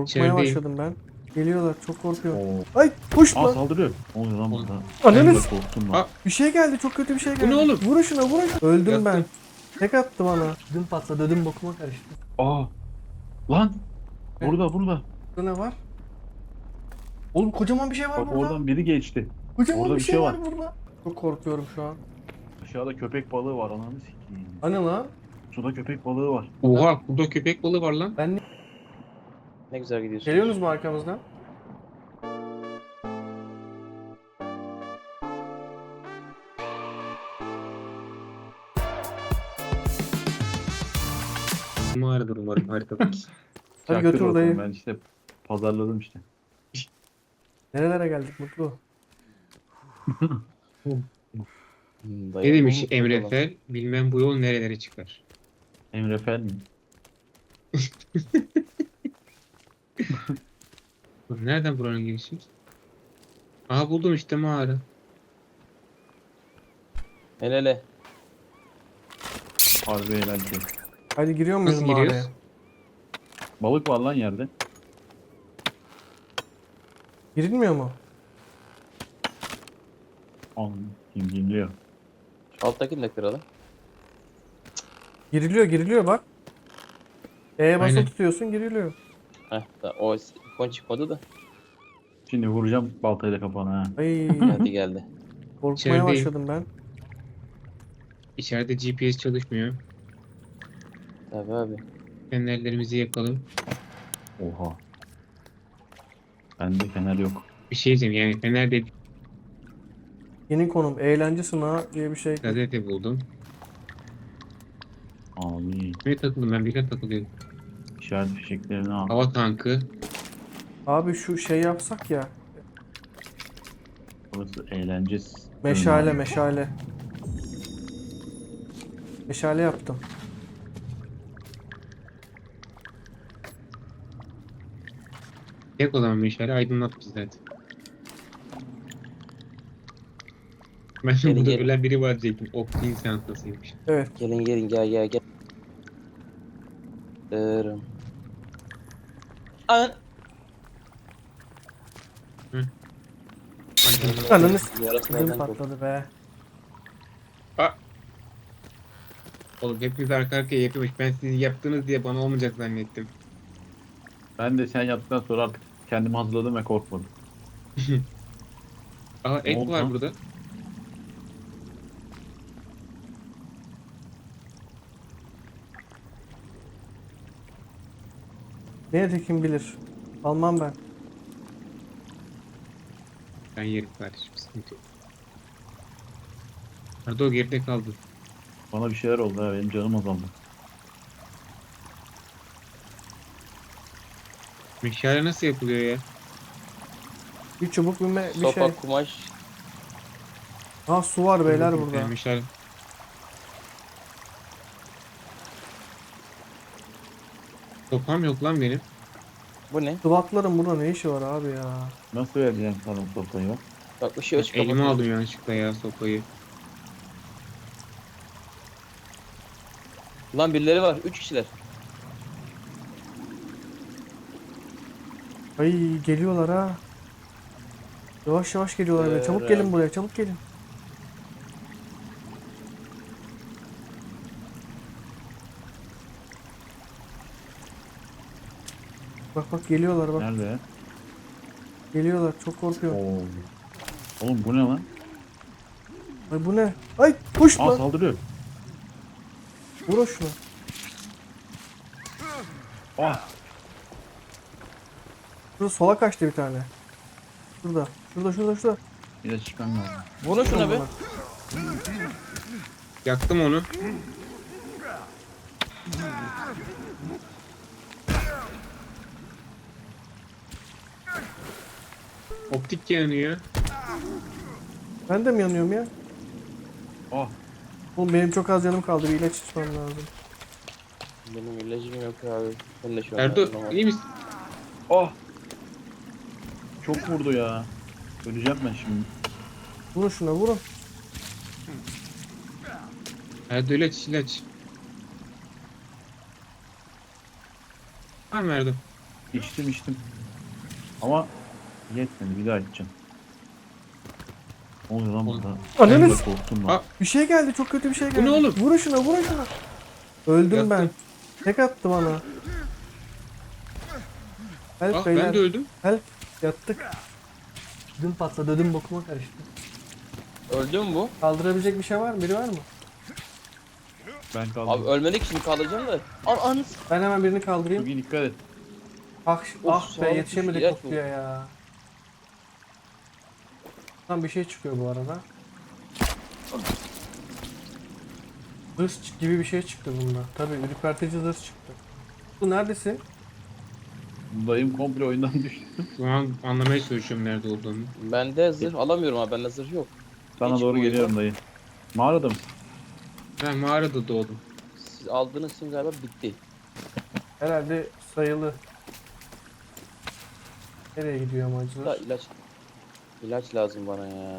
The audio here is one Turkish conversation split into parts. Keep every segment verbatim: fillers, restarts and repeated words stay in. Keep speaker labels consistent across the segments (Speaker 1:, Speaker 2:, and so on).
Speaker 1: Korkmaya
Speaker 2: İçerideyim.
Speaker 1: başladım ben. Geliyorlar, çok korkuyorum.
Speaker 3: Oo.
Speaker 1: Ay kuş
Speaker 3: Aa
Speaker 1: lan.
Speaker 3: saldırıyor. Ne oluyor lan burada?
Speaker 1: Ananı
Speaker 3: Ben de
Speaker 1: s-
Speaker 3: korktum
Speaker 2: Aa,
Speaker 3: lan.
Speaker 1: Bir şey geldi, çok kötü bir şey geldi.
Speaker 2: Bu ne oğlum?
Speaker 1: Vurun şuna, vurun şuna. Öldüm ben.
Speaker 2: Yaktım.
Speaker 1: Tek attı bana. Ödüm patladı, ödüm bokuma karıştı.
Speaker 3: Aa. Lan.
Speaker 1: Ne?
Speaker 3: Burada burada.
Speaker 1: Burada ne var? Oğlum kocaman bir şey var
Speaker 3: Bak
Speaker 1: burada.
Speaker 3: oradan biri geçti.
Speaker 1: Kocaman
Speaker 3: orada
Speaker 1: bir
Speaker 3: bir
Speaker 1: şey
Speaker 3: şey
Speaker 1: var
Speaker 3: var.
Speaker 1: burada. Çok korkuyorum şu an.
Speaker 3: Aşağıda köpek balığı var ananı sikeyim.
Speaker 1: Hani lan?
Speaker 3: Suda köpek balığı var.
Speaker 2: Oha, burada köpek balığı var lan.
Speaker 1: Ben ne?
Speaker 4: Ne güzel gidiyorsun.
Speaker 1: Geliyorsunuz mu arkamızdan?
Speaker 2: Mağaradır umarım haritadaki.
Speaker 1: Hadi
Speaker 3: Çaktır
Speaker 1: götür
Speaker 3: bakalım,
Speaker 1: dayı.
Speaker 3: Ben işte pazarladım işte.
Speaker 1: Nerelere geldik Mutlu?
Speaker 4: Hmm,
Speaker 2: Ne
Speaker 4: dayı,
Speaker 2: demiş
Speaker 4: bu mu?
Speaker 2: Emre Fel? Bilmem bu yol nerelere çıkar.
Speaker 3: Emre Fel mi?
Speaker 2: Dur, nereden buranın girişi? Aha buldum işte mağara.
Speaker 4: El ele.
Speaker 3: Harbi eğlenceli.
Speaker 1: Hadi giriyor muyuz
Speaker 2: Nasıl
Speaker 1: mağaraya?
Speaker 2: giriyoruz?
Speaker 3: Balık var lan yerde.
Speaker 1: Girilmiyor mu?
Speaker 3: Anladım. Kim geliyor?
Speaker 4: Alttakini de kıralım.
Speaker 1: Giriliyor, giriliyor bak. E'ye basılı
Speaker 2: Aynen.
Speaker 1: tutuyorsun, giriliyor.
Speaker 4: Heh, da, o ikon çıkmadı da.
Speaker 3: Şimdi vuracağım baltayla kafana ha.
Speaker 1: Ay
Speaker 4: Hadi geldi.
Speaker 1: korkmaya
Speaker 2: İçerideyim.
Speaker 1: başladım ben.
Speaker 2: İçeride G P S çalışmıyor.
Speaker 4: Tabii abi.
Speaker 2: Fenerlerimizi yakalım.
Speaker 3: Oha. Bende fener yok.
Speaker 2: Bir şey diyeceğim yani fener de
Speaker 1: Yeni konum eğlence sınağı diye bir şey.
Speaker 2: gazete buldum.
Speaker 3: Abi.
Speaker 2: Ne takıldım ben birine takılıyorum.
Speaker 3: İşaret fişeklerini al.
Speaker 2: Hava tankı.
Speaker 1: Abi şu şey yapsak ya.
Speaker 3: Burası eğlence.
Speaker 1: Meşale meşale. Meşale yaptım.
Speaker 2: Tek olan meşale aydınlat bizi zaten. Ben
Speaker 4: Gelin,
Speaker 2: burada
Speaker 4: gelin.
Speaker 2: ölen biri var diyecektim. Optin çantasıymış.
Speaker 1: Evet.
Speaker 4: Gelin gelin gel gel gel. Dırım. An.
Speaker 1: Ananı s-
Speaker 4: Yarası
Speaker 1: ödüm
Speaker 4: nereden koptu?
Speaker 1: patladı be.
Speaker 2: Oğlum hepiniz arka arkaya yapıyormuş. Ben siz yaptınız diye bana olmayacak zannettim.
Speaker 3: Ben de sen yaptıktan sonra artık kendimi hazırladım ve korkmadım.
Speaker 2: Aa
Speaker 3: Ne
Speaker 2: et
Speaker 3: oldu
Speaker 2: var
Speaker 3: lan?
Speaker 2: burada.
Speaker 1: Ne tekim bilir. Almam ben.
Speaker 2: Ben yerim kardeşim. Sıkıntı yok. Nerede o geride kaldı.
Speaker 3: Bana bir şeyler oldu ha, benim canım azaldı.
Speaker 2: Meşale nasıl yapılıyor ya?
Speaker 1: Bir çubuk bir, me- bir
Speaker 4: Sopa,
Speaker 1: şey.
Speaker 4: kumaş.
Speaker 1: Ha su var beyler
Speaker 2: Bakayım,
Speaker 1: burada.
Speaker 2: Meşale. Sopam yok lan benim.
Speaker 4: Bu ne?
Speaker 1: Sıvatların burada ne işi var abi ya?
Speaker 3: Nasıl vereceğim sana sopayı bak.
Speaker 4: Bak ışığı açık
Speaker 2: Elime
Speaker 4: kapatalım.
Speaker 2: aldım yanlışlıkla ya sopayı.
Speaker 4: Lan birileri var. Üç kişiler.
Speaker 1: Ay geliyorlar ha. Yavaş yavaş geliyorlar be. Çabuk gelin buraya, çabuk gelin. Bak bak geliyorlar bak.
Speaker 3: Nerede?
Speaker 1: Geliyorlar. Çok korkuyorum.
Speaker 3: Oo. Oğlum bu ne lan?
Speaker 1: Ay bu ne? Ay kuş
Speaker 3: Aa
Speaker 1: lan.
Speaker 3: saldırıyor.
Speaker 1: Vur şunu.
Speaker 3: Ah.
Speaker 1: Şurada sola kaçtı bir tane. Şurada. Şurada şurada şurada.
Speaker 3: Bir de çıkan lazım.
Speaker 4: Vurun şuna be.
Speaker 2: Yaktım onu. Optik yanıyor.
Speaker 1: Ben de mi yanıyorum ya?
Speaker 3: Ah.
Speaker 1: Oğlum benim çok az canım kaldı. Bir ilaç içmem lazım.
Speaker 4: Benim ilacım yok abi. Ben de şu an.
Speaker 2: Erdo
Speaker 4: yardım
Speaker 2: iyi misin?
Speaker 3: Ah. Çok vurdu ya. Öleceğim ben şimdi.
Speaker 1: Vurun şuna vurun.
Speaker 2: Erdo ilaç ilaç. Var mı Erdo?
Speaker 3: İçtim içtim. Ama yetmedi, bir daha içeceğim. Ne oluyor lan
Speaker 2: Oğlum.
Speaker 3: burada?
Speaker 1: Ananı
Speaker 3: Ben de
Speaker 1: s-
Speaker 3: korktum
Speaker 2: Aa.
Speaker 3: lan.
Speaker 1: Bir şey geldi, çok kötü bir şey geldi.
Speaker 2: ne oğlum?
Speaker 1: Vurun şuna, vurun şuna. Öldüm ben.
Speaker 2: Yattım.
Speaker 1: Tek attı bana. Help
Speaker 2: Ah
Speaker 1: beyler.
Speaker 2: ben de öldüm.
Speaker 1: Help. Yattık. Ödüm patladı, ödüm bokuma karıştı.
Speaker 4: Öldü mü bu?
Speaker 1: Kaldırabilecek bir şey var mı? Biri var mı?
Speaker 3: Ben kaldım.
Speaker 4: Abi ölmedik şimdi kaldıracağım da. An an.
Speaker 1: Ben hemen birini kaldırayım.
Speaker 3: Çok iyi, dikkat et.
Speaker 1: Ah,
Speaker 4: Of,
Speaker 1: ah be,
Speaker 4: sağlık
Speaker 1: yetişemedik
Speaker 4: düştü,
Speaker 1: Utku'ya ya. Tam bir şey çıkıyor bu arada. Hırs çık- gibi bir şey çıktı bunda. Tabii ürpertici hırs çıktı. Bu neredesin?
Speaker 3: Dayım komple oyundan düştü.
Speaker 2: Şu an anlamaya çalışıyorum nerede olduğunu.
Speaker 4: Bende zırh alamıyorum abi. Bende zırh yok.
Speaker 3: Sana
Speaker 4: Hiç
Speaker 3: doğru
Speaker 4: bu
Speaker 3: geliyorum dayı. Mağarada mısın?
Speaker 2: Ben mağarada doğdum.
Speaker 4: Siz aldığınız için galiba bitti.
Speaker 1: Herhalde sayılı. Nereye gidiyor
Speaker 4: Da
Speaker 1: amacılar?
Speaker 4: ilaç ilaç lazım bana ya.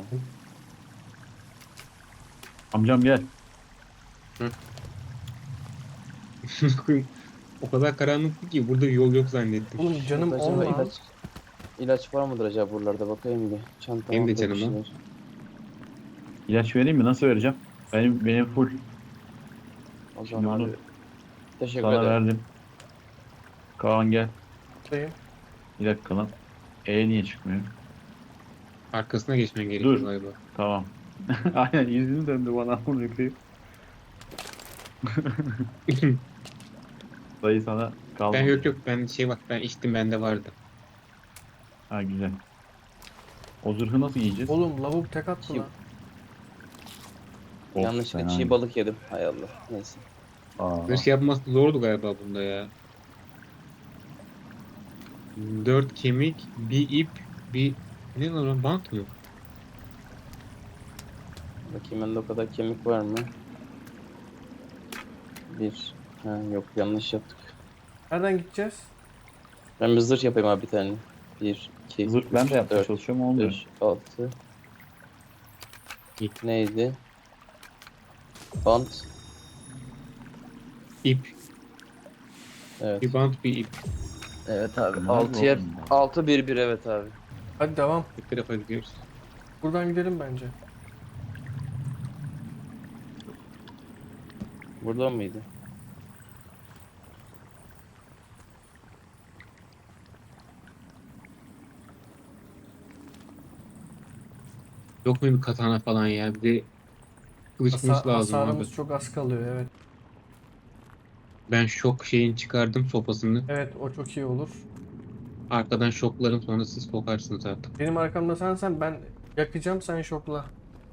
Speaker 3: Amcam gel.
Speaker 2: O kadar karanlıktı ki burada yol yok zannettim.
Speaker 1: Oğlum canım
Speaker 4: Şurada acaba
Speaker 1: olma.
Speaker 4: ilaç ilaç var mıdır acaba buralarda bakayım bir. Çantamda
Speaker 2: Benim de
Speaker 4: bir
Speaker 2: canım
Speaker 4: şeyler.
Speaker 2: ha.
Speaker 3: İlaç vereyim mi? Nasıl vereceğim? Benim benim full.
Speaker 4: O
Speaker 3: Şimdi
Speaker 4: zaman
Speaker 3: bunu
Speaker 4: abi. Teşekkür
Speaker 3: Sana
Speaker 4: ederim.
Speaker 3: verdim. Kaan gel.
Speaker 1: Sayın.
Speaker 3: Bir dakika lan. E niye çıkmıyor?
Speaker 2: Arkasına geçmen gerekiyor
Speaker 3: Dur.
Speaker 2: galiba.
Speaker 3: Tamam. Aynen yüzünü döndü bana. Bunu yıkayıp. Dayı sana kaldı.
Speaker 2: Ben yok yok ben şey bak ben içtim bende vardı.
Speaker 3: Ha güzel. O zırhı nasıl giyeceğiz?
Speaker 1: Oğlum lavuk tek attı
Speaker 4: Çiğ-
Speaker 1: lan.
Speaker 3: Of,
Speaker 4: Yanlışlıkla
Speaker 3: fena.
Speaker 4: çiğ balık yedim. Hay Allah. Neyse.
Speaker 3: Aa,
Speaker 2: Böyle şey yapması zordu galiba bunda ya. Dört kemik, bir ip, bir... Ne lan o, bant mı?
Speaker 4: Bakayım bende o kadar kemik var mı? Bir. Ha yok yanlış yaptık.
Speaker 1: Nereden gideceğiz?
Speaker 4: Ben bir zırh yapayım abi bir tane. Bir, iki,
Speaker 3: zırh ben
Speaker 4: üç,
Speaker 3: de yapmaya
Speaker 4: dört,
Speaker 3: çalışıyorum olmuyor.
Speaker 4: beş, altı.
Speaker 2: İp.
Speaker 4: Neydi? Bant.
Speaker 2: İp.
Speaker 4: Evet.
Speaker 2: Bir bant, bir ip.
Speaker 4: Evet abi.
Speaker 3: Bunlar
Speaker 4: altı
Speaker 3: mı
Speaker 4: yer.
Speaker 3: oğlum?
Speaker 4: altı bir bir evet abi.
Speaker 1: Hadi devam.
Speaker 2: Bir tarafa gidiyoruz.
Speaker 1: Buradan gidelim bence.
Speaker 4: Buradan mıydı?
Speaker 2: Yok mu bir katana falan ya? Bir de kılıç
Speaker 1: Hasa-
Speaker 2: kılıç lazım
Speaker 1: hasarımız
Speaker 2: abi.
Speaker 1: çok az kalıyor, evet.
Speaker 2: Ben şok şeyin çıkardım sopasını.
Speaker 1: Evet, o çok iyi olur.
Speaker 2: Arkadan şoklarım sonra siz sokarsınız artık.
Speaker 1: Benim arkamda sensen ben yakacağım, sen şokla.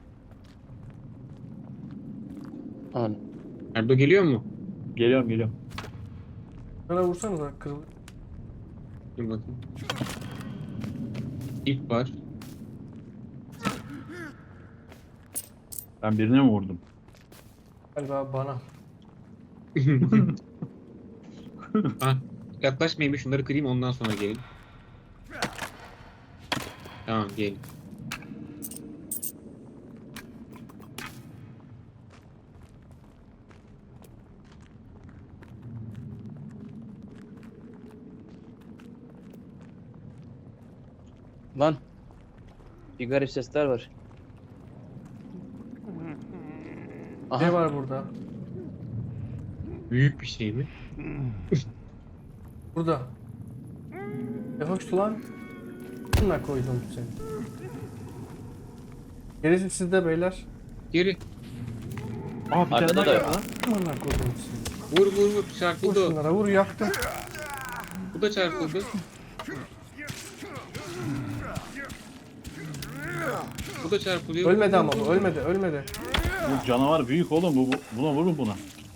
Speaker 4: An.
Speaker 2: Erdo geliyor mu?
Speaker 3: Geliyorum geliyorum.
Speaker 1: Bana vursanıza, kırılır.
Speaker 2: Dur bakayım. İp var.
Speaker 3: Ben birine mi vurdum?
Speaker 1: Galiba bana.
Speaker 2: Ha, yaklaşmayayım bir şunları kırayım ondan sonra gelin. Tamam gelin.
Speaker 4: Lan. Bir garip sesler var.
Speaker 1: Ne
Speaker 4: Aha.
Speaker 1: var burada?
Speaker 2: Büyük bir şey mi?
Speaker 1: Burada. E hoş lan. Bununla koydum seni. Gerisi sizde beyler.
Speaker 2: Geri.
Speaker 3: Aa bir
Speaker 4: Arkada
Speaker 3: tane
Speaker 4: da
Speaker 3: daha
Speaker 4: yok.
Speaker 3: geldi lan.
Speaker 1: Bununla koydum seni.
Speaker 2: Vur vur vur
Speaker 1: Vur
Speaker 2: çarpıldı o.
Speaker 1: şunlara, vur, yaktım.
Speaker 2: Bu da çarpıldı. Bu da çarpılıyor.
Speaker 1: Ölmedi ama bu, ölmedi, ölmedi.
Speaker 3: Bu canavar büyük oğlum. Bu, bu buna vurun buna.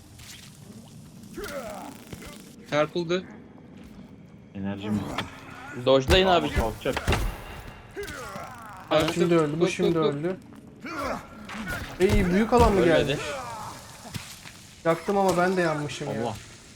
Speaker 2: Çarpıldı.
Speaker 3: Enerjim
Speaker 4: Dojlayın abi.
Speaker 3: kalkacak.
Speaker 1: Bu şimdi öldü, bu şimdi öldü. İyi, büyük alan mı
Speaker 4: Ölmedi.
Speaker 1: geldi? Yaktım ama ben de yanmışım ya.
Speaker 3: Allah.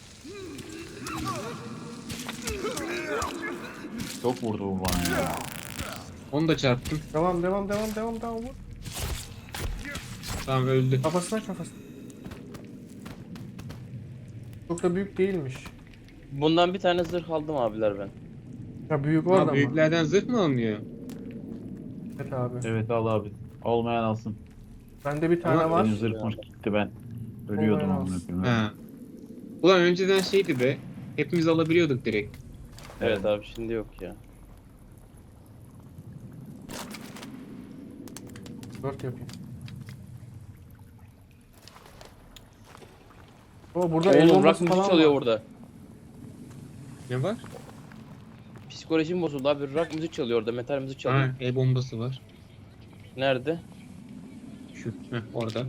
Speaker 3: Çok vurdu bu bana ya.
Speaker 2: Onu da çarptım.
Speaker 1: Devam, devam, devam, devam, devam. Vur.
Speaker 2: Tamam öldü.
Speaker 1: Kafasına, kafasına. Çok da büyük değilmiş.
Speaker 4: Bundan bir tane zırh aldım abiler ben.
Speaker 1: Ya büyük
Speaker 2: Ha,
Speaker 1: orada mı?
Speaker 2: büyüklerden zırh mı alınıyor?
Speaker 1: Evet abi.
Speaker 3: Evet al abi. Olmayan alsın.
Speaker 1: Bende bir
Speaker 2: Ama
Speaker 1: tane var.
Speaker 3: Benim zırhım gitti ben. Ölüyordum
Speaker 1: Olmayan
Speaker 3: amına
Speaker 1: alsın.
Speaker 3: koyayım.
Speaker 2: Ha. Ulan önceden şeydi be. Hepimiz alabiliyorduk direkt.
Speaker 4: Evet abi şimdi yok ya.
Speaker 1: Dört yapayım. Ama burada el
Speaker 4: Oğlum rock
Speaker 1: bombası
Speaker 4: müzik
Speaker 1: falan
Speaker 4: çalıyor
Speaker 1: var.
Speaker 4: burada.
Speaker 2: Ne var?
Speaker 4: Psikolojim bozuldu abi. Rock müzik çalıyor orada. Metal müzik çalıyor.
Speaker 2: Ha, el bombası var.
Speaker 4: Nerede?
Speaker 2: Şu. Heh, orada.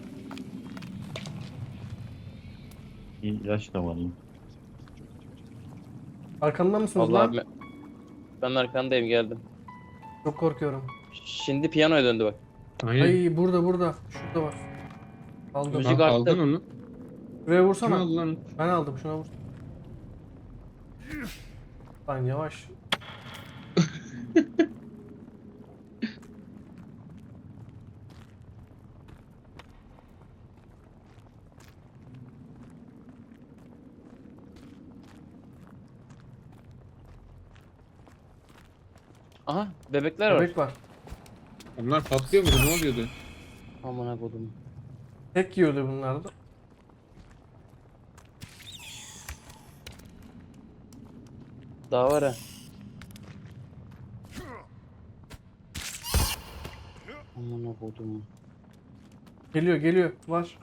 Speaker 3: İyi, ilaç da var lan.
Speaker 1: Arkamda mısınız
Speaker 4: Allah
Speaker 1: lan?
Speaker 4: abi. Ben arkandayım geldim.
Speaker 1: Çok korkuyorum.
Speaker 4: Şimdi piyanoya döndü bak.
Speaker 2: Aynen.
Speaker 1: Ay burada burada. Şurada var. Aldım.
Speaker 4: Müzik
Speaker 2: Ha,
Speaker 4: arttı.
Speaker 2: aldın onu.
Speaker 1: Şuraya
Speaker 2: Kim
Speaker 1: vursana.
Speaker 2: aldı lan?
Speaker 1: Ben aldım. Şuna vur. Lan yavaş.
Speaker 4: Aha bebekler var.
Speaker 1: Bebek var.
Speaker 2: Onlar patlıyor muydu? Ne oluyordu?
Speaker 4: Amına kodum.
Speaker 1: Tek yiyordu bunlar da.
Speaker 4: Daha var ha. Amına kodum.
Speaker 1: Geliyor geliyor. Var.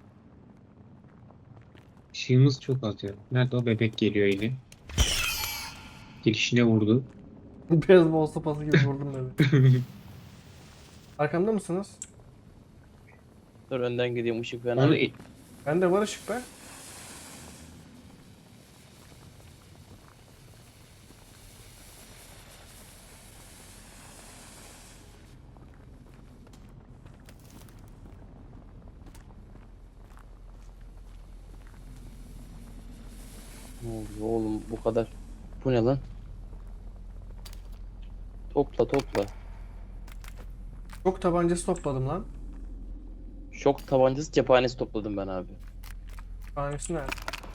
Speaker 2: Işığımız çok az ya. Nerede o bebek geliyor yine. Girişine vurdu.
Speaker 1: Beyzbol sopası gibi vurdum beni. Arkamda mısınız?
Speaker 4: Dur önden gideyim ışık fena.
Speaker 2: Onu
Speaker 1: Bende var ışık be.
Speaker 4: Ne oluyor oğlum bu kadar. Bu ne lan? Topla topla.
Speaker 1: Çok tabancası topladım lan.
Speaker 4: Şok tabancası cephanesi topladım ben abi.
Speaker 1: Tanesi nerede?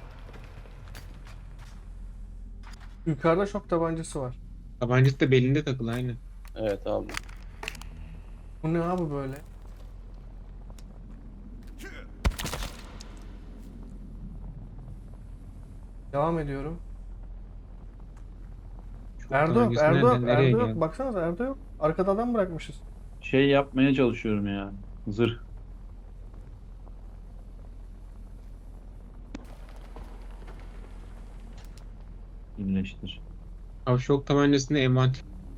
Speaker 1: Yukarıda şok tabancası var.
Speaker 2: tabancası da belinde takılı aynen.
Speaker 4: Evet abi.
Speaker 1: Bu ne abi böyle? Devam ediyorum.
Speaker 2: Çok
Speaker 1: Erdo yok,
Speaker 2: tabancası
Speaker 1: Erdo yok,
Speaker 2: nereden nereye
Speaker 1: Erdo yok.
Speaker 2: geldi?
Speaker 1: Baksanıza Erdo yok. Arkada adam bırakmışız.
Speaker 3: Şey yapmaya çalışıyorum ya. Zırh. İyileştir.
Speaker 2: Abi şok tabancasında envanter.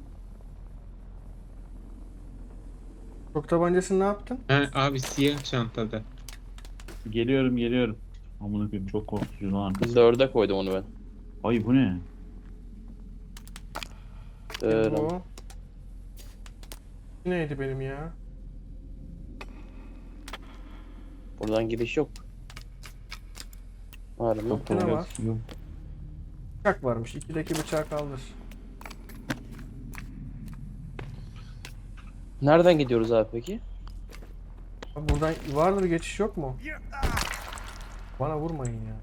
Speaker 1: Şok tabancasını ne yaptın?
Speaker 2: Ha, abi siyah çantada.
Speaker 3: Geliyorum geliyorum. Amına koyayım çok korkutucu lan arkası.
Speaker 4: Dörde koydum onu ben.
Speaker 3: Ay bu ne?
Speaker 4: Dırım.
Speaker 1: Bu. Neydi benim ya?
Speaker 4: Buradan gidiş yok. Var mı?
Speaker 3: Çok
Speaker 1: Ne
Speaker 3: korkutucu.
Speaker 1: var? Bıçak varmış. İkideki bıçağı kaldır.
Speaker 4: Nereden gidiyoruz abi peki?
Speaker 1: Abi buradan vardır geçiş yok mu? Bana vurmayın ya.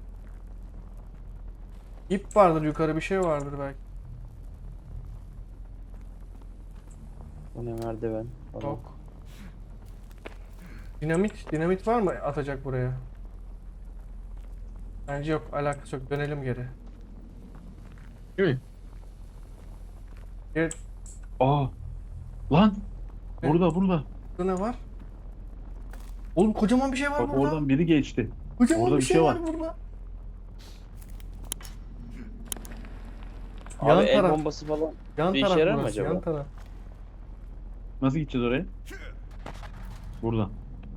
Speaker 1: İp vardır yukarı bir şey vardır belki.
Speaker 4: Bu ne merdiven? falan.
Speaker 1: Yok. Dinamit, dinamit var mı atacak buraya? Bence yok, alakası yok. Dönelim geri.
Speaker 2: Değil mi?
Speaker 1: Geri,
Speaker 3: Aa! Lan!
Speaker 1: Ne?
Speaker 3: Burada burada.
Speaker 1: burada ne var? Oğlum kocaman bir şey var
Speaker 3: Bak
Speaker 1: burada.
Speaker 3: oradan biri geçti.
Speaker 1: Kocaman
Speaker 3: orada
Speaker 1: bir
Speaker 3: bir
Speaker 1: şey
Speaker 3: şey
Speaker 1: var
Speaker 3: var.
Speaker 1: burada.
Speaker 4: Abi
Speaker 1: Yan
Speaker 4: el
Speaker 1: taraf.
Speaker 4: bombası falan.
Speaker 1: Yan
Speaker 4: bir işe
Speaker 1: taraf
Speaker 4: yarar mı
Speaker 1: burası,
Speaker 4: acaba?
Speaker 1: yan taraf.
Speaker 3: Nasıl gideceğiz oraya? Buradan.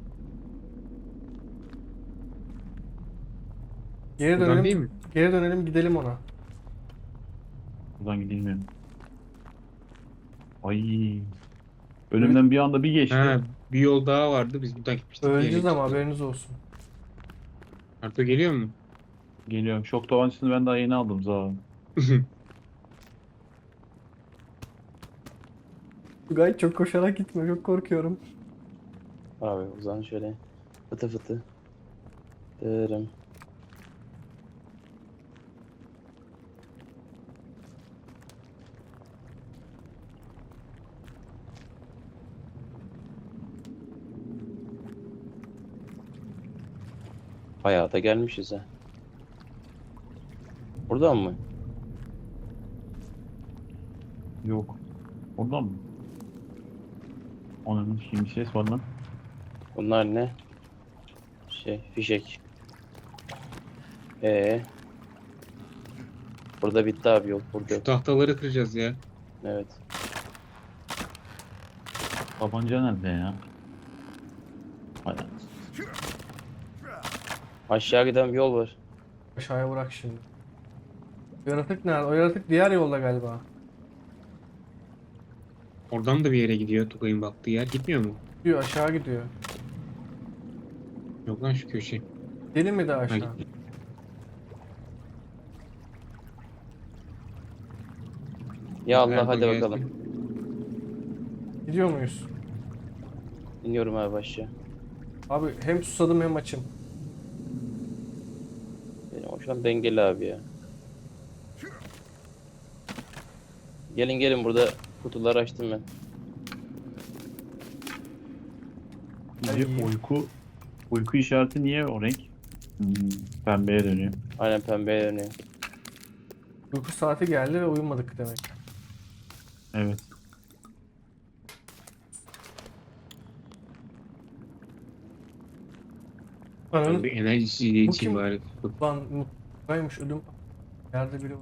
Speaker 1: Geri
Speaker 2: Buradan değil
Speaker 1: dönelim.
Speaker 2: mi?
Speaker 1: Geri dönelim gidelim ona.
Speaker 3: Buradan gidilmiyor. Ay. Önümden bir anda bir geçti.
Speaker 2: Ha, bir yol daha vardı. Biz buradan gitmiştik.
Speaker 1: Öleceğiz
Speaker 2: diye
Speaker 1: ama
Speaker 2: geçtik.
Speaker 1: haberiniz olsun.
Speaker 2: Arto geliyor mu?
Speaker 3: Geliyorum. Şok tabancasını ben daha yeni aldım zaten.
Speaker 1: Tugay çok koşarak gitme, çok korkuyorum.
Speaker 4: Abi o zaman şöyle fıtı fıtı. Dırım. Bayağı da gelmişiz ha. Buradan mı?
Speaker 3: Yok. Oradan mı? Onun şimdi ses var lan.
Speaker 4: Bunlar ne? Şey, fişek. Ee. Burada bitti abi, yok burada
Speaker 2: Şu
Speaker 4: yok.
Speaker 2: tahtaları kıracağız ya.
Speaker 4: Evet.
Speaker 3: Tabanca nerede ya? Hay anasını.
Speaker 4: Aşağı giden bir yol var.
Speaker 1: Aşağıya bırak şimdi. O yaratık nerede? O yaratık diğer yolda galiba.
Speaker 2: Oradan da bir yere gidiyor Tugay'ın baktığı yer. Gitmiyor mu?
Speaker 1: Gidiyor aşağı gidiyor.
Speaker 2: Yok lan şu köşe.
Speaker 1: Deli mi de
Speaker 2: Ha,
Speaker 1: aşağı?
Speaker 2: gitti.
Speaker 4: Ya Allah,
Speaker 2: Erdoğan
Speaker 4: hadi
Speaker 2: gelsin.
Speaker 4: bakalım.
Speaker 1: Gidiyor muyuz?
Speaker 4: İniyorum abi aşağı.
Speaker 1: Abi hem susadım hem açım.
Speaker 4: Benim o şu an dengeli abi ya. Gelin gelin, burada kutuları açtım ben.
Speaker 3: Bir de
Speaker 1: Ay.
Speaker 3: uyku uyku işareti niye o renk? Hmm, pembeye dönüyor.
Speaker 4: Aynen, pembeye dönüyor.
Speaker 1: Uyku saati geldi ve uyumadık demek.
Speaker 3: Evet.
Speaker 2: Ben
Speaker 1: Ananın
Speaker 2: bir enerji
Speaker 1: Bu
Speaker 2: için
Speaker 1: kim?
Speaker 2: bari.
Speaker 1: lan mutluymuş ödüm. Yerde biri var.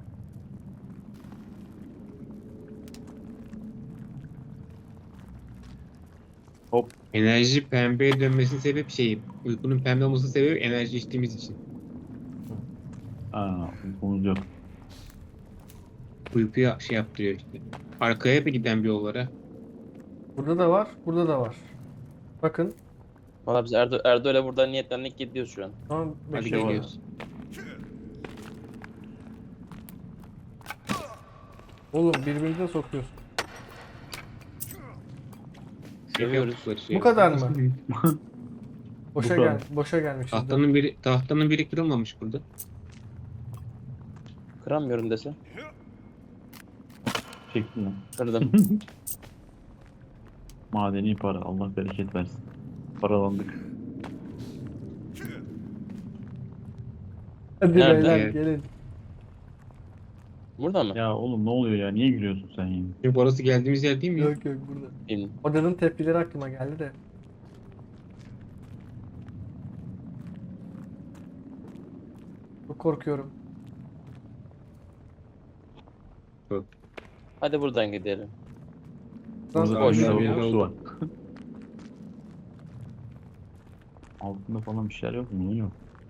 Speaker 3: Hop.
Speaker 2: Enerji pembeye dönmesinin sebep şey. Uykunun pembe olmasının sebebi enerji içtiğimiz için.
Speaker 3: Aa, uykumuz yok.
Speaker 2: Uykuya şey yaptırıyor işte. Arkaya da giden bir yollara.
Speaker 1: Burada da var, burada da var. Bakın.
Speaker 4: Valla biz Erdo Erdo'yla buradan niyetlendik, gidiyoruz şu an.
Speaker 1: Tamam,
Speaker 2: Hadi
Speaker 1: bekle.
Speaker 2: geliyoruz.
Speaker 1: Oğlum birbirinize sokuyorsun.
Speaker 4: Seviyoruz.
Speaker 2: Yaptıkları şey.
Speaker 1: Bu kadar mı? Boşa
Speaker 3: Bu
Speaker 1: gel,
Speaker 3: kadar.
Speaker 1: boşa gelmişiz. de.
Speaker 2: Tahtanın biri tahtanın biri kırılmamış burada.
Speaker 4: Kıramıyorum dese.
Speaker 3: Çektin lan.
Speaker 4: Kırdım.
Speaker 3: Madeni para. Allah bereket versin. Paralandık.
Speaker 1: Hadi
Speaker 4: Nerede?
Speaker 1: beyler
Speaker 2: Evet.
Speaker 1: gelin.
Speaker 4: Burada mı?
Speaker 3: Ya oğlum ne oluyor ya? Niye gülüyorsun sen ya?
Speaker 2: Çünkü orası geldiğimiz yer değil mi?
Speaker 1: Yok yok burada.
Speaker 4: İn.
Speaker 1: Odanın tepkileri aklıma geldi de. Çok korkuyorum.
Speaker 4: Hadi buradan gidelim.
Speaker 1: Lan
Speaker 3: Burada
Speaker 4: boş
Speaker 3: bir
Speaker 2: ver ya.
Speaker 3: kokusu var. Altında falan bir şeyler yok mu? Yok.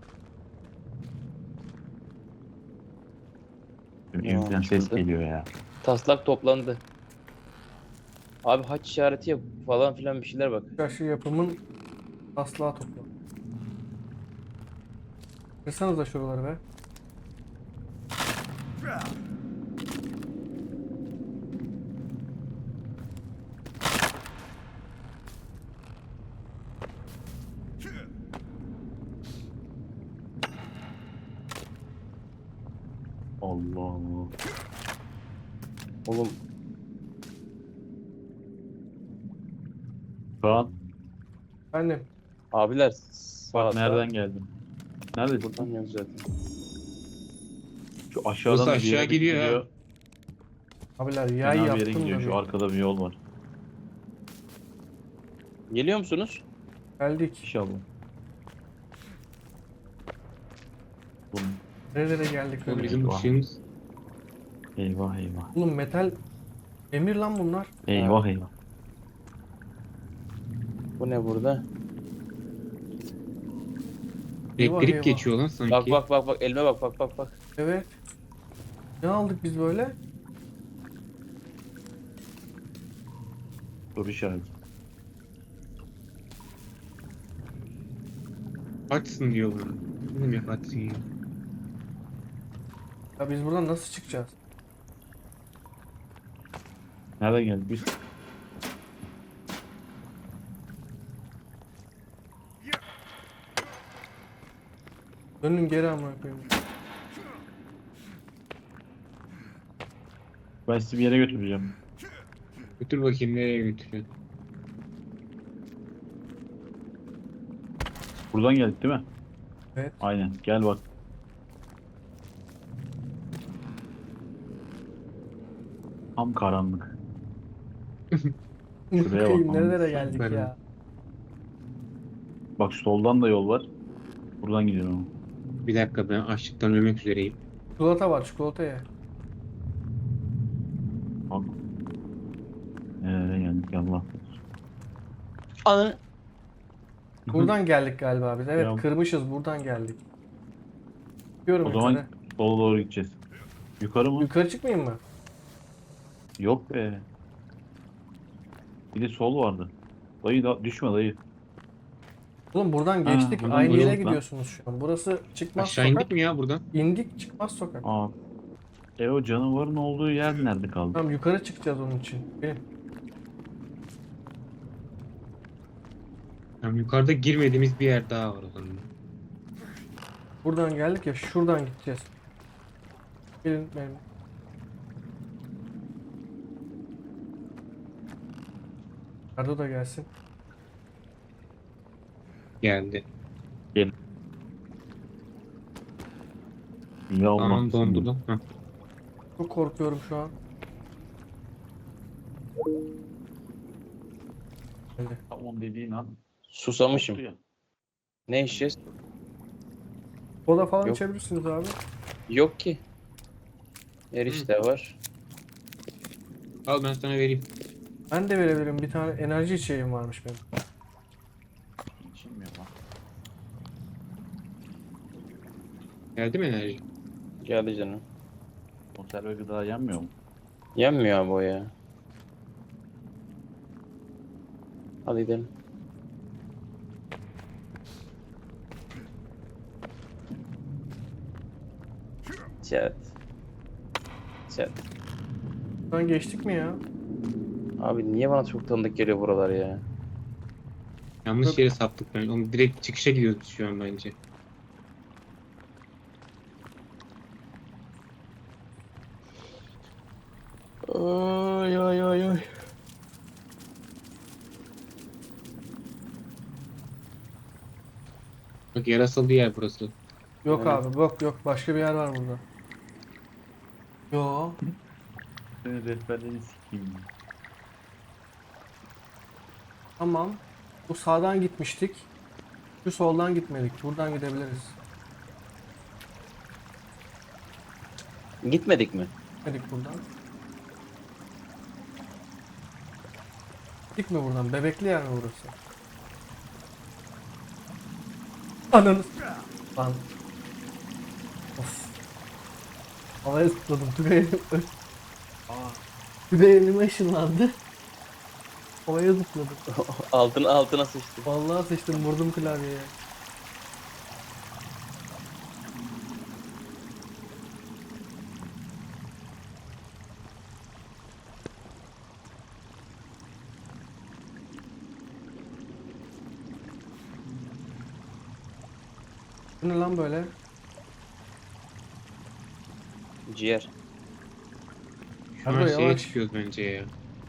Speaker 4: Ne
Speaker 3: Evden
Speaker 4: olmuş
Speaker 3: ses
Speaker 4: burada?
Speaker 3: geliyor ya.
Speaker 4: Taslak toplandı. Abi haç işareti yap falan filan, bir şeyler bak.
Speaker 1: Karşı yapımın taslağı topla. Kırsanıza şuraları be.
Speaker 3: Allah Allah.
Speaker 4: Oğlum
Speaker 3: Kaan
Speaker 1: Annem.
Speaker 4: abiler
Speaker 3: bak
Speaker 4: sağda.
Speaker 3: nereden geldin? Neredesin?
Speaker 4: Buradan yok zaten.
Speaker 3: Şu aşağıdan
Speaker 2: Burası
Speaker 3: da bir
Speaker 2: aşağı
Speaker 3: yere
Speaker 2: gidiyor ha.
Speaker 3: gidiyor.
Speaker 1: Abiler
Speaker 3: Fena
Speaker 1: yay
Speaker 3: bir yere
Speaker 1: yaptım
Speaker 3: gidiyor.
Speaker 1: da
Speaker 3: Şu
Speaker 1: bir.
Speaker 3: arkada bir yol var.
Speaker 4: Geliyor musunuz?
Speaker 1: Geldik.
Speaker 3: İnşallah. Oğlum,
Speaker 1: Nerelere geldik
Speaker 2: Oğlum
Speaker 1: öyle.
Speaker 2: bizim
Speaker 3: Vah.
Speaker 2: ışığımız.
Speaker 3: eyvah eyvah.
Speaker 1: Oğlum metal emir lan bunlar.
Speaker 3: Eyvah eyvah.
Speaker 4: Bu ne burada?
Speaker 1: Eyvah,
Speaker 2: Elektrik
Speaker 1: eyvah.
Speaker 2: geçiyor lan sanki.
Speaker 4: Bak bak bak bak, elime bak bak bak bak.
Speaker 1: Evet. Ne aldık biz böyle?
Speaker 3: Soru işareti.
Speaker 2: Açsın diyor bana. Ne demek açsın ya?
Speaker 1: Ya biz buradan nasıl çıkacağız?
Speaker 3: Nereden geldik biz?
Speaker 1: Dönün geri amına koyayım.
Speaker 3: Ben sizi bir yere götüreceğim.
Speaker 2: Götür bakayım nereye götürüyor.
Speaker 3: Buradan geldik değil mi?
Speaker 1: Evet.
Speaker 3: Aynen. Gel bak. Tam karanlık. Şuraya bak.
Speaker 1: Bakayım nerelere
Speaker 3: anasını
Speaker 1: geldik
Speaker 2: satayım.
Speaker 1: ya.
Speaker 3: Bak soldan da yol var. Buradan gidiyorum.
Speaker 2: Bir dakika, ben açlıktan ölmek üzereyim.
Speaker 1: Çikolata var, çikolata ye.
Speaker 3: Bak. Nereye geldik Allah.
Speaker 4: Ananı.
Speaker 1: Buradan geldik galiba biz. Evet,
Speaker 3: Ya.
Speaker 1: kırmışız, buradan geldik. Gidiyorum
Speaker 3: O zaman
Speaker 1: yukarı.
Speaker 3: sola doğru gideceğiz. Yukarı mı?
Speaker 1: Yukarı çıkmayayım mı?
Speaker 3: Yok be. Bir de sol vardı. Dayı da düşme dayı.
Speaker 1: Oğlum buradan
Speaker 3: Ha,
Speaker 1: geçtik.
Speaker 3: buradan
Speaker 1: Aynı yere
Speaker 3: geçtik lan.
Speaker 1: gidiyorsunuz şu an. Burası çıkmaz
Speaker 2: Aşağı
Speaker 1: sokak.
Speaker 2: indik mi ya buradan?
Speaker 1: İndik, çıkmaz sokak.
Speaker 3: Aa. E o canavarın olduğu yer nerede kaldı?
Speaker 1: Tamam, yukarı çıkacağız onun için. Benim.
Speaker 2: Yani yukarıda girmediğimiz bir yer daha var o zaman.
Speaker 1: Buradan geldik ya, şuradan gideceğiz. Gelin benim. Arda da gelsin.
Speaker 2: Geldi.
Speaker 3: Ya
Speaker 2: Tamam,
Speaker 3: olmaz.
Speaker 2: dondurdum. Heh.
Speaker 1: Çok korkuyorum şu an. Geldi.
Speaker 3: Tamam dediğin an.
Speaker 4: Susamışım.
Speaker 3: koptu ya.
Speaker 4: Ne içeceğiz?
Speaker 1: Kola falan
Speaker 4: Yok.
Speaker 1: içebilirsiniz abi.
Speaker 4: Yok ki. Erişte var.
Speaker 2: Al, ben sana vereyim.
Speaker 1: Ben de verebilirim. Bir tane enerji içeceğim varmış benim.
Speaker 3: İçilmiyor lan.
Speaker 2: Geldi mi enerji?
Speaker 4: Geldi canım.
Speaker 3: Konserve gıda yenmiyor mu?
Speaker 4: Yenmiyor abi o ya. Hadi gidelim. Chat. Chat.
Speaker 1: Buradan geçtik mi ya?
Speaker 4: Abi niye bana çok tanıdık geliyor buralar ya?
Speaker 2: Yanlış
Speaker 1: Yok.
Speaker 2: yere saptık ben. Oğlum direkt çıkışa gidiyoruz biz şu an bence.
Speaker 1: Ay ay ay ay.
Speaker 2: Bak, yarasalı yer burası.
Speaker 1: Yok
Speaker 4: Evet.
Speaker 1: abi, yok yok. Başka bir yer var burada. Yo.
Speaker 3: Seni rehberleri sikeyim.
Speaker 1: Tamam. Bu sağdan gitmiştik. Şu soldan gitmedik. Buradan gidebiliriz.
Speaker 4: Gitmedik mi?
Speaker 1: Gitmedik buradan. Gittik mi buradan? Bebekli yer mi burası? Ananı. Lan. Of. Havaya zıpladım. Tugay elim,
Speaker 3: Aa.
Speaker 1: Tugay elime ışınlandı. Havaya zıpladım.
Speaker 4: altına altına sıçtı.
Speaker 1: Vallahi sıçtım, vurdum klavyeye. Bu ne lan böyle?
Speaker 4: Ciğer.
Speaker 2: Şu an
Speaker 1: Arda,
Speaker 2: şeye
Speaker 1: yavaş.
Speaker 2: çıkıyoruz bence ya.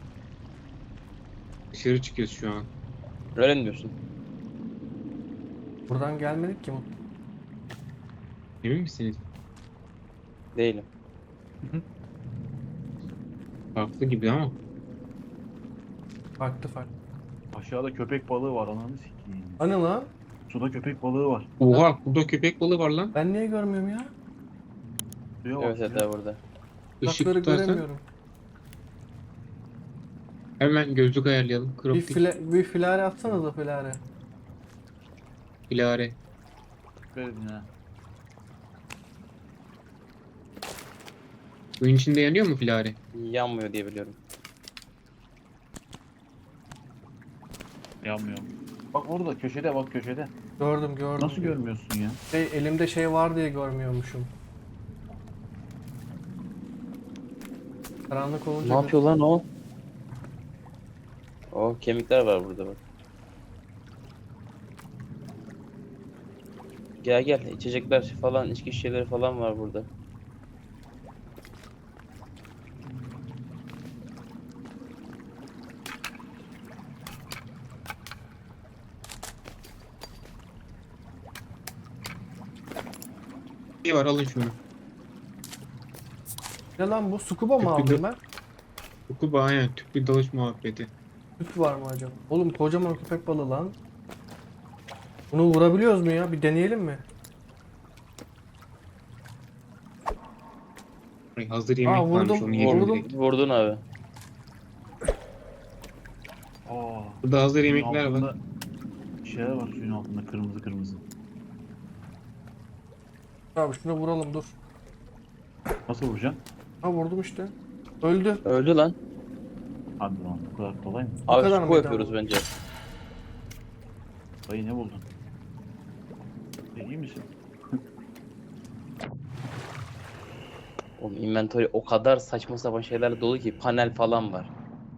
Speaker 2: Dışarı çıkıyoruz şu an.
Speaker 4: Öyle mi diyorsun?
Speaker 1: Buradan gelmedik ki.
Speaker 2: Emin misiniz?
Speaker 4: Değilim.
Speaker 2: Farklı gibi ama.
Speaker 1: Farklı farklı.
Speaker 3: Aşağıda köpek balığı var ananı sikeyim.
Speaker 1: Hani lan?
Speaker 3: Suda köpek balığı var.
Speaker 2: Oha, burada köpek balığı var lan.
Speaker 1: Ben niye görmüyorum ya?
Speaker 3: Suya bak.
Speaker 4: Evet evet
Speaker 3: suya.
Speaker 4: abi burada.
Speaker 2: Işık
Speaker 1: Uzakları
Speaker 2: tutarsan
Speaker 1: göremiyorum.
Speaker 2: hemen gözlük ayarlayalım.
Speaker 1: Bir,
Speaker 2: Crop
Speaker 1: file, bir filare atsanıza filare.
Speaker 2: ilare.
Speaker 3: Dikkat edin ha.
Speaker 2: Suyun içinde yanıyor mu filare?
Speaker 4: Yanmıyor diye biliyorum.
Speaker 3: Yanmıyor. Bak orada köşede bak köşede.
Speaker 1: Gördüm gördüm.
Speaker 3: Nasıl görmüyorsun ya?
Speaker 1: Şey, elimde şey var diye görmüyormuşum. Karanlık olunca...
Speaker 4: Ne yapıyor lan o? O kemikler var burada bak. Gel gel, içecekler falan, içki şişeleri falan var burada.
Speaker 2: İyi var, alın şunu.
Speaker 1: Ne lan bu? Scuba mı
Speaker 2: Tüplü
Speaker 1: aldım
Speaker 2: gö-
Speaker 1: ben?
Speaker 2: Kuba aynen, tüplü dalış muhabbeti.
Speaker 1: Tüp var mı acaba? Oğlum kocaman köpek balığı lan. Bunu vurabiliyoruz mu ya? Bir deneyelim mi?
Speaker 2: Ay, hazır
Speaker 1: Aa,
Speaker 2: yemek varmış,
Speaker 1: vurdum,
Speaker 2: onu yedim
Speaker 1: vurdum.
Speaker 2: direkt.
Speaker 4: Vurdun abi.
Speaker 3: Aa,
Speaker 2: Burada hazır
Speaker 3: suyun
Speaker 2: yemekler var.
Speaker 3: altında şeyler var suyun altında kırmızı kırmızı.
Speaker 1: Abi şuna vuralım dur.
Speaker 3: Nasıl vuracaksın?
Speaker 1: Ha vurdum işte. Öldü.
Speaker 4: Öldü lan.
Speaker 3: Hadi lan bu kadar kolay mı?
Speaker 1: Bu
Speaker 4: Abi
Speaker 1: kadar
Speaker 4: su
Speaker 1: mıydı
Speaker 4: yapıyoruz
Speaker 1: ama?
Speaker 4: bence.
Speaker 3: Dayı ne buldun? E, iyi misin?
Speaker 4: Oğlum inventory o kadar saçma sapan şeylerle dolu ki panel falan var.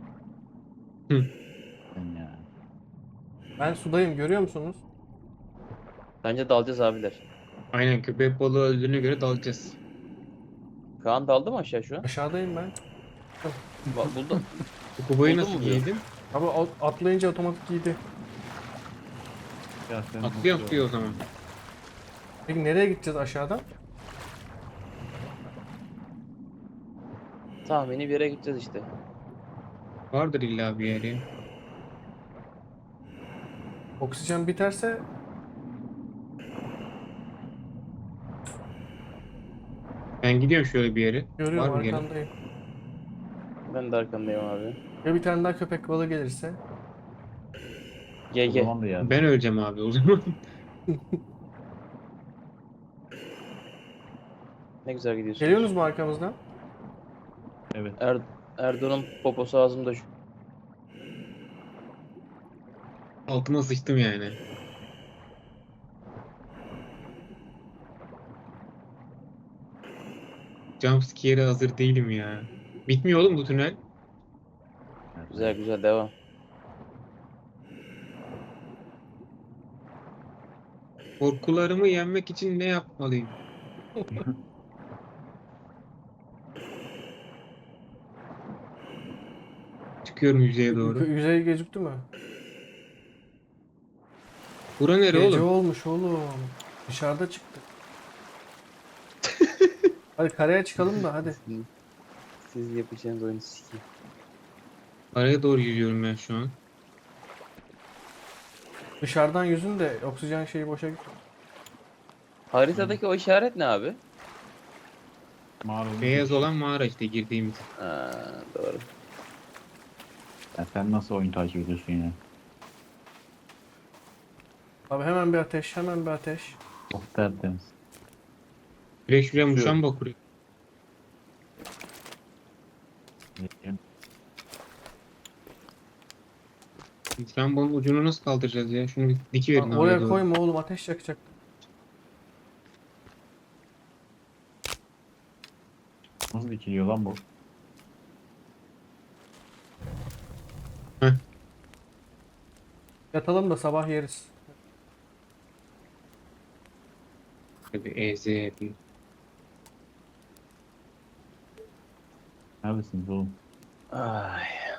Speaker 3: Ben ya.
Speaker 1: Ben sudayım, görüyor musunuz?
Speaker 4: Bence dalacağız abiler.
Speaker 2: Aynen, köpek balığı öldüğüne göre dalacağız.
Speaker 4: Kaan daldı mı aşağı şu an?
Speaker 1: Aşağıdayım ben.
Speaker 4: Ba- buldum.
Speaker 2: Kubayı
Speaker 4: Buldun
Speaker 2: nasıl
Speaker 4: mu diyor?
Speaker 2: giydin?
Speaker 1: Abi at- atlayınca otomatik giydi.
Speaker 3: Ya sen
Speaker 2: Atlıyor
Speaker 3: nasıl-
Speaker 2: atlıyor o zaman.
Speaker 1: Peki nereye gideceğiz aşağıdan?
Speaker 4: Tahmini bir yere gideceğiz işte.
Speaker 2: Vardır illa bir yeri.
Speaker 1: Oksijen biterse
Speaker 2: Ben gidiyorum şöyle bir yere.
Speaker 1: görüyorum,
Speaker 2: Var mı yeri?
Speaker 1: arkandayım.
Speaker 4: Ben de arkandayım abi.
Speaker 1: Ya bir tane daha köpek balığı gelirse?
Speaker 4: Ye
Speaker 3: O
Speaker 4: ye.
Speaker 3: zaman da ya.
Speaker 2: Ben öleceğim abi o zaman.
Speaker 4: Ne güzel gidiyorsun.
Speaker 1: Geliyorsunuz mu arkamızdan?
Speaker 3: Evet.
Speaker 4: Er Erdoğan'ın poposu ağzımda şu.
Speaker 2: Altıma sıçtım yani. Jumpscare'e hazır değilim ya. Bitmiyor oğlum bu tünel.
Speaker 3: Evet.
Speaker 4: Güzel güzel devam.
Speaker 2: Korkularımı yenmek için ne yapmalıyım? Çıkıyorum yüzeye doğru.
Speaker 1: Yüzey gözüktü mü?
Speaker 2: Bura nere
Speaker 1: Gece
Speaker 2: oğlum?
Speaker 1: olmuş oğlum. Dışarıda çıktı. Hadi karaya çıkalım da hadi.
Speaker 4: Siz, siz yapacağınız oyunu sikeyim.
Speaker 2: Araya doğru yürüyorum ben şu an.
Speaker 1: Dışarıdan yüzün de oksijen şeyi boşa gitti.
Speaker 4: Haritadaki o işaret ne abi?
Speaker 3: Mağaranın
Speaker 2: Beyaz
Speaker 3: girişi.
Speaker 2: olan mağara işte girdiğimiz.
Speaker 4: Ha, doğru.
Speaker 3: Ya sen nasıl oyun takip ediyorsun ya?
Speaker 1: Abi hemen bir ateş, hemen bir ateş.
Speaker 3: Oh tertemiz.
Speaker 2: Direkt şuraya
Speaker 3: Şu-
Speaker 2: muşamba kuruyor. Muşambanın ucunu nasıl kaldıracağız ya? Şunu bir dikiverin
Speaker 1: Lan
Speaker 2: oraya
Speaker 1: oraya
Speaker 2: doğru.
Speaker 1: koyma oğlum, ateş yakacak.
Speaker 3: Nasıl dikiliyor lan bu?
Speaker 1: Yatalım da sabah yeriz.
Speaker 2: Bir eze yapayım.
Speaker 3: Neredesiniz oğlum?
Speaker 4: Ay.